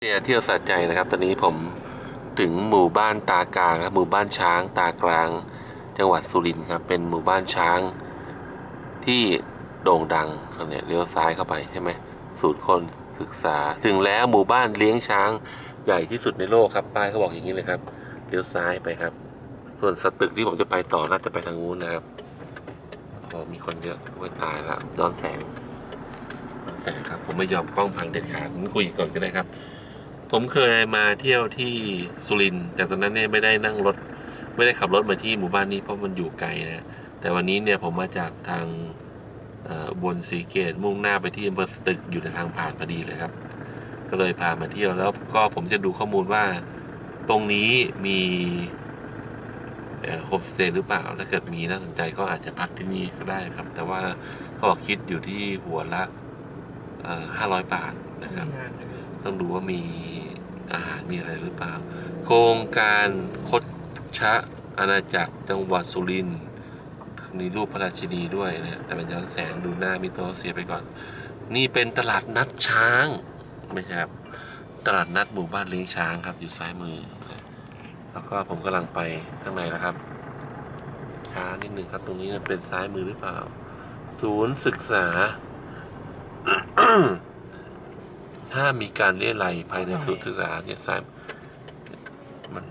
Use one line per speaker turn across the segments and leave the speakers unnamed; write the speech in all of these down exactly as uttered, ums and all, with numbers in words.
เนี่ยเที่ยวสะใจนะครับตอนนี้ผมถึงหมู่บ้านตากลางครับหมู่บ้านช้างตากลางจังหวัดสุรินทร์ครับเป็นหมู่บ้านช้างที่โด่งดังเนี่ยเลี้ยวซ้ายเข้าไปใช่ไหมศูนย์คนศึกษาถึงแล้วหมู่บ้านเลี้ยงช้างใหญ่ที่สุดในโลกครับป้ายเขาบอกอย่างนี้เลยครับเลี้ยวซ้ายไปครับส่วนสตึกที่ผมจะไปต่อน่าจะไปทางนู้นนะครับโอ้มีคนเยอะไว้ตายแล้วย้อนแสงย้อนแสงครับผมไม่ยอมกล้องพังเด็ดขาดผมคุยก่อนก็ได้ครับผมเคยมาเที่ยวที่สุรินทร์แต่ตอนนั้นเนี่ยไม่ได้นั่งรถไม่ได้ขับรถมาที่หมู่บ้านนี้เพราะมันอยู่ไกลนะแต่วันนี้เนี่ยผมมาจากทางบนศรีเกตมุ่งหน้าไปที่อำเภอสตึกอยู่ในทางผ่านพอดีเลยครับก็เลยพามาเที่ยวแล้วก็ผมจะดูข้อมูลว่าตรงนี้มีโฮมสเตย์หรือเปล่าถ้าเกิดมีน่าสนใจก็อาจจะพักที่นี่ก็ได้ครับแต่ว่าเขาบอกคิดอยู่ที่หัวละห้าร้อยบาทนะครับต้องดูว่ามีอาหารมีอะไรหรือเปล่าโครงการคดชะอาณาจักรจังหวัดสุรินทร์มีรูปพระราชินีด้วยนะแต่เป็นย้อนแสงดูหน้ามิโตเสียไปก่อนนี่เป็นตลาดนัดช้างไม่ใช่ครับตลาดนัดหมู่บ้านเลี้ยงช้างครับอยู่ซ้ายมือแล้วก็ผมกำลังไปข้างในนะครับช้านิดหนึ่งครับตรงนี้เป็นซ้ายมือหรือเปล่าศูนย์ศึกษา ถ้ามีการเลี้ยไรภายในศูนย์ศึกษาเนี่ยซ้ายมัน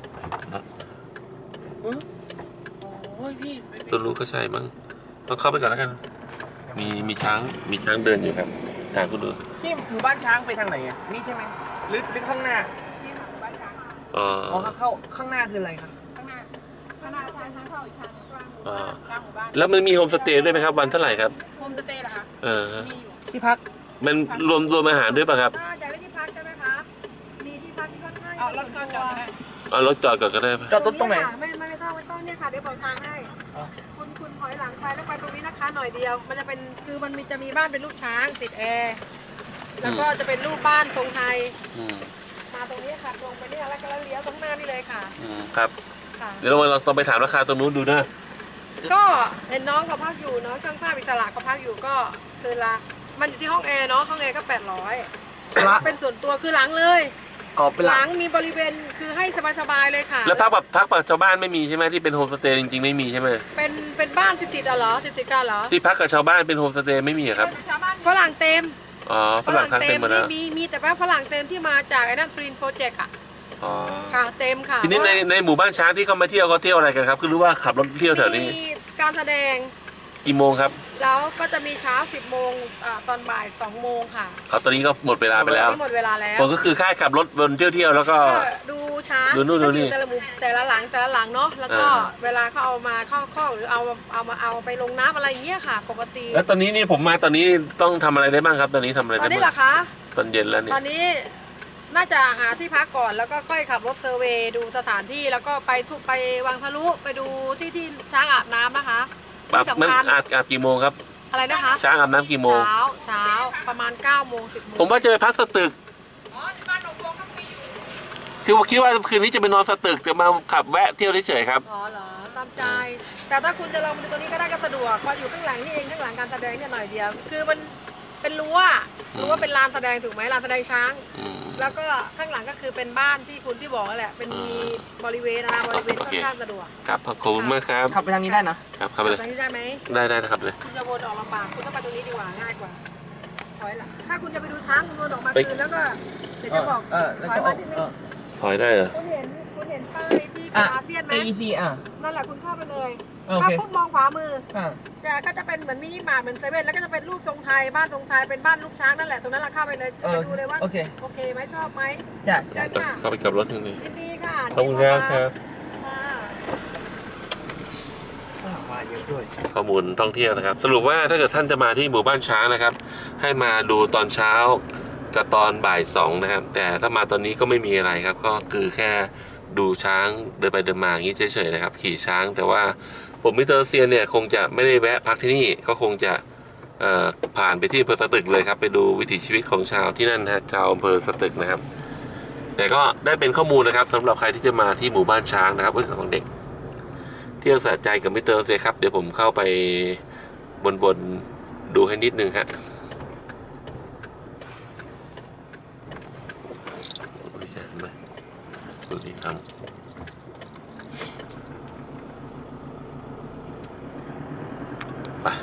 โอ้ยพี่ตัวรู้ก็ใช่มั้งต้องเข้าไปก่อนแล้วกันมีมีช้างมีช้างเดินอยู่ครับถามคุณดู
พี่หมู่บ้านช้างไปทางไหนอ่ะนี่ใช่ไหมหรือหรือข้างหน้า
นี่หมู่บ้านช้าง
อ๋อ
เข้าข้างหน้าคืออะไรครับ
ข้างหน้าข้างหน้าทางทางเข้าอีกทางกลางหมู่บ้านกลางหมู่บ้าน
แล้วมันมีโฮมสเตย์ด้วยไหมครับวันเท่าไหร่ครับ
โฮมสเตย์เหรอคะ
เออ
มีอยู่
ที่พัก
มันรวมรวมอาหารด้วยป่ะครับ
อยากได้ที่พักใช่ไหมคะมีที่พักที่ค่อนข้างเอารถจอดก็ได้
เอารถจอดก่อนก็ได้
จอดรถตรงไหน
ไม่ไม่ต้องไม่ต้องเนี่ยค่ะเดี๋ยวบอกทางให้คุณคุณถอยหลังไปแล้วไปตรงนี้นะคะหน่อยเดียวมันจะเป็นคือมันจะมีบ้านเป็นลูกช้างติดแอร์แล้วก็จะเป็นรูปบ้านทรงไทยมาตรงนี้ค่ะตรงไปนี่แล้วก็เลี้ยวตรงหน้านี่เลยค่ะ
ครับเดี๋ยวเราต้องไปถามราคาตรงนู้นดูนะ
ก็เห็นน้องเขาพักอยู่เนาะช่างภาพอิสระเขาพักอยู่ก็คือละมันอยู่ที่ห้องแอร์เนาะห้องแอร์ก็แปดร้อยเป็นส่วนตัวคือหลังเลยหลังมีบริเวณคือให้สบายๆเลยค่ะ
แล้วพักแบบพักแบบชาวบ้านไม่มีใช่ไหมที่เป็นโฮมสเตย์จริงๆไม่มีใช่ไหม
เป็นเป็นบ้านติดติดเหรอติดติดกันเหรอ
ที่พักกับชาวบ้านเป็นโฮมสเตย์ไม่มีครับ
ฝรั่งเต็ม
อ๋อฝรั่งเต็มหมดแล้ว
มีมีแต่ว่าฝรั่งเต็มที่มาจากไอ้นั่นฟรีนโปรเจกต์อ่ะ
อ๋อ
ค่ะเต็มค่ะ
ทีนี้ในในหมู่บ้านช้างที่เขามาเที่ยวเขาเที่ยวอะไรกันครับคือรู้ว่าขับรถเที่ยวแถวนี้
มีการแสดง
กี่โมงครับ
แล้วก็จะมีเช้าสิบโมงตอนบ่ายสองโมงค่ะ
เอาตอนนี้ก็หมดเวลาไปแล้ว
หมดเวลาแล้ว
ผมก็คือค่าขับรถบนเที่ยวเที่ยวแล้วก็
ดูช้าง
ดูนู่นดูนี่
แต่ละมุมแต่ละหลังแต่ละหลังเนาะแล้วก็เวลาเขาเอามาเข้าข้อหรือเอาเอามาเอาไปลงน้ำอะไรอย่างเงี้ยค่ะปกติ
แล้วตอนนี้นี่ผมมาตอนนี้ต้องทำอะไรได้บ้างครับตอนนี้ทำอะไรได้บ้าง
ตอนนี้เหรอคะ
ตอนเย็นแล้วนี่
ตอนนี้น่าจะหาที่พักก่อนแล้วก็ค่อยขับรถเซอร์เวย์ดูสถานที่แล้วก็ไปทุกไปวังทะลุไปดูที่ที่ช้างอาบน้ำนะคะ
ที่สำคัญอาบอาบกี่โมงครับ
อะไรนะคะ
ช้างอาบน้ำกี่โมง
เช้าเช้าประมาณเก้าโมงสิบโมง
ผมว่าจะไปพักสตึกคือผมคิดว่าคืนนี้จะไปนอนสตึกจะมาขับแวะเที่ยวเฉยๆครับ
อ๋อเหรอตามใจแต่ถ้าคุณจะลงมาดูตรงนี้ก็ได้ก็สะดวกเพราะอยู่ข้างหลังนี่เองข้างหลังการแสดงเนี่ยหน่อยเดียวคือมันเป็นรั้วรั้วเป็นลานแสดงถูกไหมลานแสดงช้างแล้วก็ข้างหลังก็คือเป็นบ้านที่คุณที่บอกนั่นแหละเป็นมีบริเวณนะบริเวณค่อนข้างสะดวก
ครับขอบคุณมากครับ
ขับไปทางนี้ได้นะครับ
ขับไปเลย
ทางนี้ได้ไหม
ได้ได้นะครับเลย
คุณจะวนออกลำบากคุณต้องไปตรงนี้ดีกว่าง่ายกว่าถอยหลังถ้าคุณจะไปดูช้างคุณวนออกมาคืนแล้วก็เดี๋ยวจะบอกถอยมาที่นี่
ถอยได้เหรอ
คุณเห็นคุณเห็นป้ายที่อาเซียนไหม
เอ อี ซี อ่ะ
นั่นแหละคุณเข้าไปเลยถ้าปุ๊บมองขวามือจะก็จะเป็นเหมือนมินิมาร์ทเหมือนเซเว่นแล้วก็จะเป็นรูปทรงไทยบ้านทรงไทยเป็นบ้านลูกช้างนั่นแหละตรงนั้นเราเข้าไปเลยไปดูเลยว่าโอเคโอเคไหมชอบไหม
จ้ะ
จ้ะ
เข้าไปกับรถที่นี่
ดีค่ะ
ขอบคุณครับข้อมูลท่องเที่ยวนะครับสรุปว่าถ้าเกิดท่านจะมาที่หมู่บ้านช้างนะครับให้มาดูตอนเช้ากับตอนบ่ายสองนะครับแต่ถ้ามาตอนนี้ก็ไม่มีอะไรครับก็คือแค่ดูช้างเดินไปเดินมาอย่างนี้เฉยๆนะครับขี่ช้างแต่ว่าผมมิสเตอร์เซียนเนี่ยคงจะไม่ได้แวะพักที่นี่ก็คงจะผ่านไปที่อำเภอสตึกเลยครับไปดูวิถีชีวิตของชาวที่นั่นนะชาวอำเภอสตึกนะครับแต่ก็ได้เป็นข้อมูลนะครับสำหรับใครที่จะมาที่หมู่บ้านช้างนะครับเรื่องของเด็กเที่ยวสะใจกับมิสเตอร์เซียครับเดี๋ยวผมเข้าไปบนๆดูให้นิดนึงครับดูดิครับ